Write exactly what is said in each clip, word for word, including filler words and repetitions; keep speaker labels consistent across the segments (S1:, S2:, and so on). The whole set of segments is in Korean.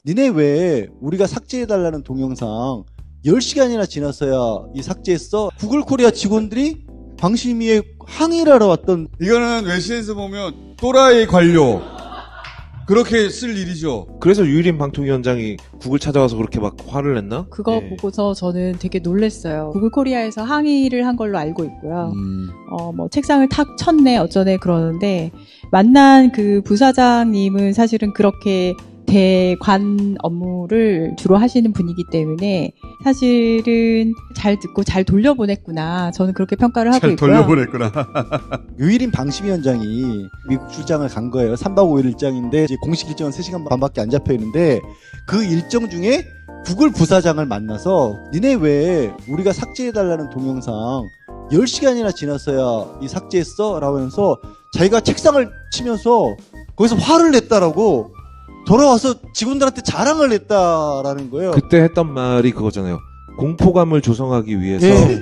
S1: 니네 왜 우리가 삭제해달라는 동영상 열 시간이나 지났어야 이 삭제했어? 구글 코리아 직원들이 방심위에 항의를 하러 왔던.
S2: 이거는 외신에서 보면 또라이 관료 그렇게 쓸 일이죠.
S3: 그래서 유일인 방통위원장이 구글 찾아가서 그렇게 막 화를 냈나?
S4: 그거
S3: 예.
S4: 보고서 저는 되게 놀랐어요. 구글 코리아에서 항의를 한 걸로 알고 있고요.
S2: 음.
S4: 어, 뭐 책상을 탁 쳤네 어쩌네 그러는데 만난 그 부사장님은 사실은 그렇게 대관 업무를 주로 하시는 분이기 때문에 사실은 잘 듣고 잘 돌려보냈구나. 저는 그렇게 평가를 하고
S2: 잘
S4: 있고요.
S2: 돌려보냈구나.
S1: 유일인 방심위원장이 미국 출장을 간 거예요. 삼 박 오 일 일정인데 이제 공식 일정은 세 시간 반밖에 안 잡혀 있는데 그 일정 중에 구글 부사장을 만나서 니네 왜 우리가 삭제해달라는 동영상 열 시간이나 지났어야 이 삭제했어? 라고 하면서 자기가 책상을 치면서 거기서 화를 냈다라고 돌아와서 직원들한테 자랑을 했다라는 거예요.
S3: 그때 했던 말이 그거잖아요. 공포감을 조성하기 위해서
S1: 예.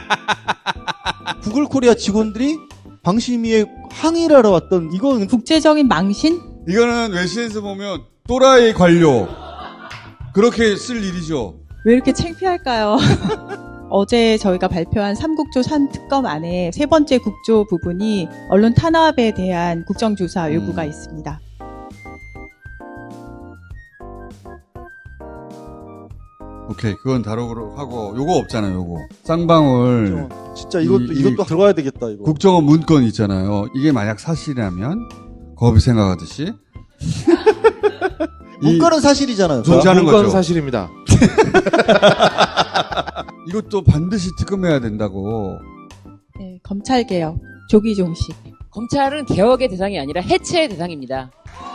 S1: 구글 코리아 직원들이 방심위에 항의를 하러 왔던. 이건
S4: 국제적인 망신?
S2: 이거는 외신에서 보면 또라이 관료 그렇게 쓸 일이죠.
S4: 왜 이렇게 창피할까요? 어제 저희가 발표한 삼국조 삼 특검 안에 세 번째 국조 부분이 언론 탄압에 대한 국정조사 요구가
S2: 음.
S4: 있습니다.
S2: 오케이, 그건 다루도록 하고 요거 없잖아요. 요거 쌍방울
S1: 진짜 이것도
S2: 이-
S1: 이것도
S2: 이-
S1: 들어가야 되겠다 이거.
S2: 국정원 문건 있잖아요. 이게 만약 사실이라면 거비 생각하듯이 이-
S1: 문건은 사실이잖아요.
S2: 존재하는
S3: 문건
S2: 거죠.
S3: 사실입니다.
S2: 이것도 반드시 특검해야 된다고.
S4: 네, 검찰개혁, 조기종식.
S5: 검찰은 개혁의 대상이 아니라 해체의 대상입니다.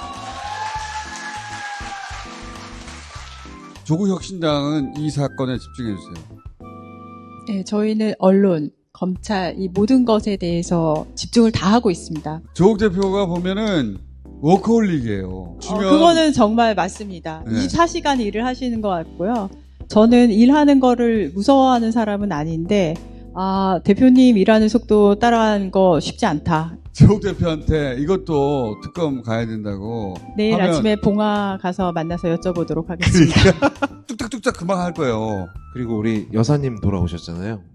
S2: 조국혁신당은 이 사건에 집중해 주세요.
S4: 네, 저희는 언론, 검찰 이 모든 것에 대해서 집중을 다 하고 있습니다.
S2: 조국 대표가 보면은 워커홀릭이에요.
S4: 어,
S2: 주면
S4: 그거는 정말 맞습니다.
S2: 네.
S4: 이십사 시간 일을 하시는 것 같고요. 저는 일하는 거를 무서워하는 사람은 아닌데 아 대표님 일하는 속도 따라하는 거 쉽지 않다.
S2: 조국 대표한테 이것도 특검 가야 된다고
S4: 내일
S2: 하면
S4: 아침에 봉화 가서 만나서 여쭤보도록 하겠습니다.
S2: 뚝딱뚝딱 금방 할 거예요.
S3: 그리고 우리 여사님 돌아오셨잖아요.